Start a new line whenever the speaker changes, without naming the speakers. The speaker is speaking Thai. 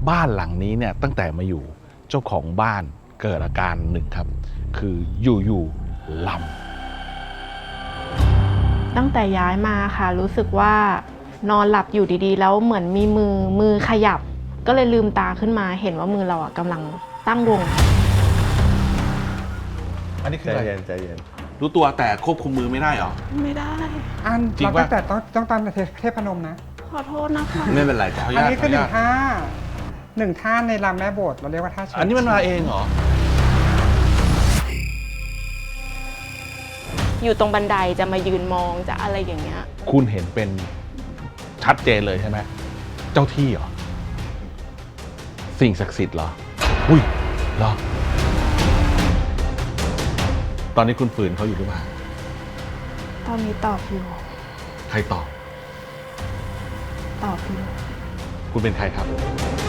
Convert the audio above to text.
บ้านหลังนี้เนี่ยตั้งแต่มาอยู่เจ้าของบ้านเกิดอาการหนึ่งครับคืออยู่ๆลำ
ตั้งแต่ย้ายมาค่ะรู้สึกว่านอนหลับอยู่ดีๆแล้วเหมือนมีมือขยับก็เลยลืมตาขึ้นมาเห็นว่ามือเรากำลังตั้งวง
อันนี้คือ
ใจ
อะไร
เย็นใจเย็น
รู้ตัวแต่ควบคุมมือไม่ได้เหรอ
ไม่ได้
อัน
จริง
เรา
ปะ
ตั้งแต่ต้องตั้งเทพนมนะ
ขอโทษนะคะ
ไม่เป็นไร
ข
จ้ะ
ออนุ
อัน
ญาต
นี้
ขอ
คือ
อนุ
หนึ่
ญาง ต
ท่าหนึ่งท่าในรำแม่โบสถ์เราเรียกว่าท่าเชิญ
อันนี้มันมาเองเหรอ
อยู่ตรงบันไดจะมายืนมองจะอะไรอย่างเงี้ย
คุณเห็นเป็นชัดเจนเลยใช่ไหมเจ้าที่เหรอสิ่งศักดิ์สิทธิ์เหรออุ้ยเหรอตอนนี้คุณฝืนเขาอยู่หรือเปล่า
ตอนนี้ตอบอยู่
ใครตอบ
ตอบอยู่
คุณเป็นใครครับ